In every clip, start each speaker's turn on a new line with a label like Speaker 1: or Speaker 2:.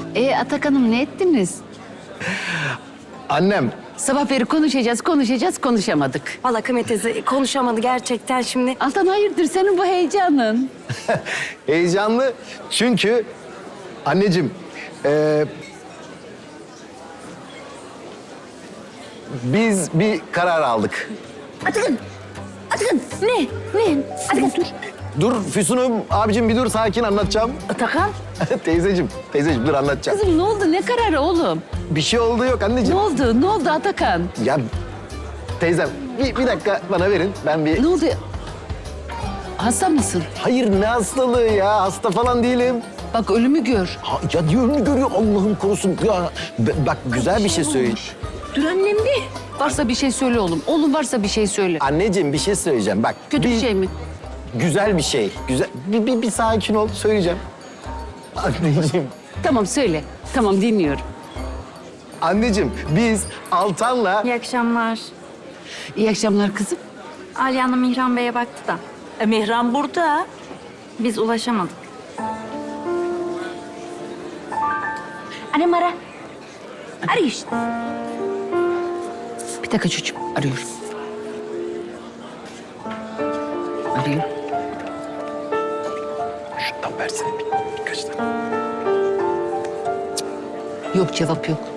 Speaker 1: Atakan'ım ne ettiniz?
Speaker 2: Annem,
Speaker 1: Sabah beri konuşamadık.
Speaker 3: Vallahi Kıymet teyze konuşamadı gerçekten şimdi.
Speaker 1: Altan hayırdır senin bu heyecanın?
Speaker 2: heyecanlı çünkü anneciğim, biz bir karar aldık.
Speaker 3: Atakan ne? Atakan dur.
Speaker 2: Dur Füsun'um, abicim bir dur, sakin anlatacağım.
Speaker 1: Atakan?
Speaker 2: teyzeciğim dur anlatacağım.
Speaker 1: Kızım ne oldu? Ne kararı oğlum?
Speaker 2: Bir şey oldu yok
Speaker 1: Ne
Speaker 2: anneciğim.
Speaker 1: oldu? Ne oldu Atakan?
Speaker 2: Ya teyzem bir dakika bana verin, ben bir...
Speaker 1: Ne oldu? Hasta mısın?
Speaker 2: Hayır, ne hastalığı ya, hasta falan değilim.
Speaker 1: Bak ölümü gör.
Speaker 2: Ya önünü görüyor, Allah'ım korusun. Ya bak, güzel bir şey söyle.
Speaker 1: Dur annem bir. Varsa bir şey söyle oğlum. Oğlum varsa bir şey söyle.
Speaker 2: Anneciğim bir şey söyleyeceğim, bak.
Speaker 1: Kötü bir şey mi?
Speaker 2: Güzel bir şey. Güzel. Bir sakin ol, söyleyeceğim. Anneciğim,
Speaker 1: Tamam söyle. Tamam dinliyorum.
Speaker 2: anneciğim biz Altan'la...
Speaker 3: İyi akşamlar.
Speaker 1: İyi akşamlar kızım.
Speaker 3: Aliye Hanım Mihran Bey'e baktı da
Speaker 1: Mihran burada.
Speaker 3: biz ulaşamadık.
Speaker 1: Annem ara. Arıyor işte. Bir dakika çocuğum. Arıyorum. Arıyor.
Speaker 2: Şundan versene birkaç tane.
Speaker 1: Yok cevap yok.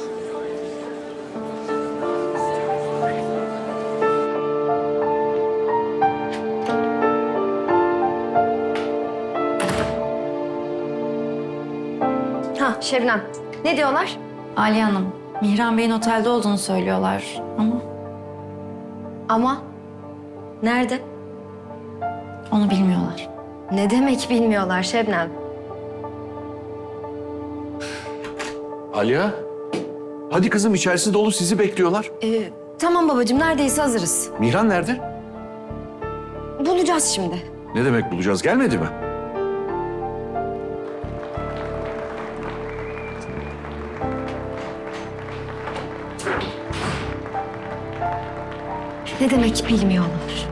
Speaker 4: Ha Şebnem, ne diyorlar?
Speaker 3: Aliye Hanım, Mihran Bey'in otelde olduğunu söylüyorlar ama
Speaker 4: Ama nerede?
Speaker 3: onu bilmiyorlar.
Speaker 4: Ne demek bilmiyorlar Şebnem?
Speaker 5: Aliye. Hadi kızım, içerisi dolu, sizi bekliyorlar.
Speaker 4: Tamam babacığım, neredeyse hazırız.
Speaker 5: Mihran nerede?
Speaker 4: Bulacağız şimdi.
Speaker 5: Ne demek bulacağız, gelmedi mi?
Speaker 4: Ne demek bilmiyorlar?